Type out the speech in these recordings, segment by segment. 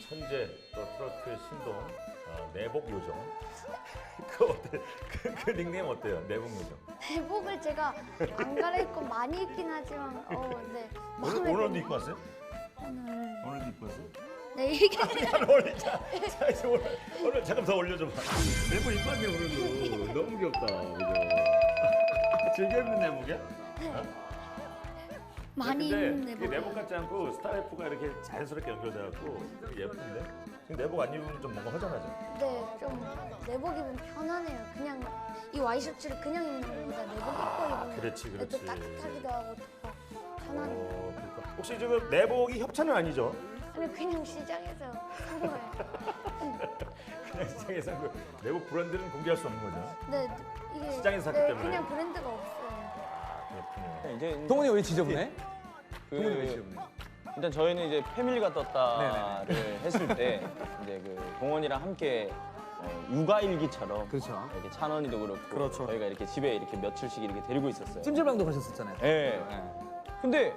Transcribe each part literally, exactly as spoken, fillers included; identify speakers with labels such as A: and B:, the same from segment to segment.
A: 천재 또 트로트 신동 어, 내복 요정. 그 어때? 그, 그 닉네임 어때요? 내복 요정.
B: 내복을 제가 안 갈아입고 많이 입긴 하지만 어, 네.
A: 오늘
B: 마음에
A: 오늘도
B: 드는-
A: 입고 왔어요?
B: 오늘
A: 오늘도 입고 왔어요?
B: 네 이게
A: 잘 어울리자. 자 이제 오늘 오늘 잠깐 더 올려줘봐. 내복 입고 왔네 오늘도. 너무 귀엽다. 그죠? 즐겨 입는 내복이야?
B: 많이 입는
A: 근데 이게
B: 내복.
A: 내복 같지 않고 스타일프가 이렇게 자연스럽게 연결돼갖고 되게 예쁜데? 지금 내복 안 입으면 좀 뭔가 허전하죠?
B: 네, 좀 내복 입으면 편하네요. 그냥 이 와이셔츠를 그냥 입는 것보다 내복 입고 입으면
A: 그렇지,
B: 또
A: 그렇지.
B: 따뜻하기도 하고 더 편하네요.
A: 어, 그러니까. 혹시 지금 내복이 협찬은 아니죠?
B: 아니 그냥 시장에서 산 거예요.
A: 그냥 시장에서 그 내복 브랜드는 공개할 수 없는 거죠?
B: 네, 이게
A: 시장에서 샀기
B: 네,
A: 때문에.
B: 그냥 브랜드가 없어요.
A: 그렇군요.
C: 이제
D: 동훈이 왜 지저분해?
C: 그,
A: 동훈이 왜 지금?
C: 일단 저희는 이제 패밀리가 떴다를 했을 때 이제 그 동원이랑 함께 어, 육아 일기처럼
D: 그렇죠.
C: 이렇게 찬원이도 그렇고
D: 그렇죠.
C: 저희가 이렇게 집에 이렇게 며칠씩 이렇게 데리고 있었어요.
D: 찜질방도 가셨었잖아요.
C: 예. 근데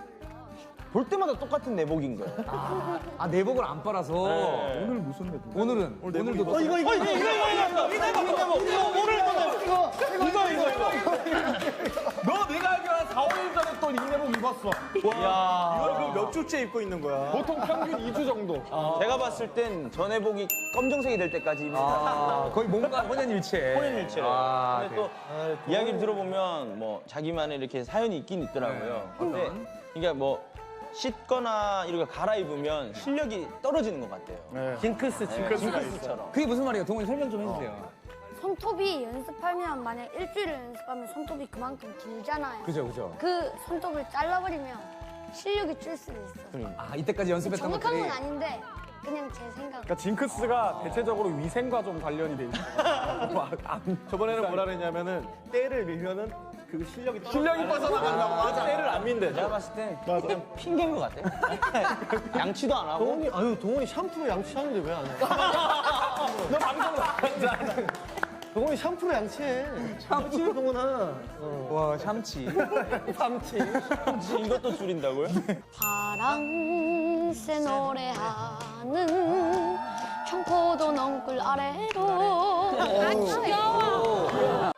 C: 볼 때마다 똑같은 내복인 거예요.
D: 아, 아 내복을 안 빨아서
C: 네.
D: 오늘 무슨 내복? 오늘은 오늘 오늘도
C: 어 이거 이거 이거 이거 이거 이거 이거 내복 이거 오늘 또 내복 이거 이거 이거 이거
E: 너 내가 알기로 한 사, 오 일 전에 또 이 내복 입었어.
C: 야
E: 이걸 몇 주째 입고 있는 거야? 보통 평균 이 주 정도.
C: 제가 봤을 땐 저 내복이 검정색이 될 때까지 입니다.
D: 아, 거의 뭔가 혼연일체.
C: 혼연일체.
D: 아,
C: 근데 또 이야기를 들어보면 뭐 자기만의 이렇게 사연이 있긴 있더라고요. 근데 이게 뭐 씻거나 이렇게 갈아입으면 실력이 떨어지는 것 같아요.
E: 징크스, 징크스가 있어.
C: 징크스처럼.
D: 그게 무슨 말이에요? 동훈이 설명 좀 해주세요.
B: 손톱이 연습하면 만약 일주일을 연습하면 손톱이 그만큼 길잖아요.
D: 그죠, 그죠.
B: 그 손톱을 잘라버리면 실력이 줄 수도 있어.
D: 아 이때까지 연습했던
B: 정확한
D: 것들이
B: 건 아닌데 그냥 제 생각.
E: 그러니까 징크스가 대체적으로 위생과 좀 관련이 돼 있어. 뭐, 안- 저번에는 뭐라 그랬냐면은 때를 밀면은 그 실력이 실력이 빠져나간다고 맞아. 때를 안 민대.
C: 제가 봤을 땐 그냥 핑계인 것 같아요. 양치도 안 하고.
F: 동훈이 아유 동훈이 샴푸로 양치하는데 왜 안 해?
E: 너 방송 나간다.
F: 동훈이 샴푸로 양치해. 샴푸 동훈아.
D: 와 샴치.
F: 샴치.
C: 이것도 줄인다고요?
B: 파랑새 노래하는 청포도 넝굴 아래로 아 귀여워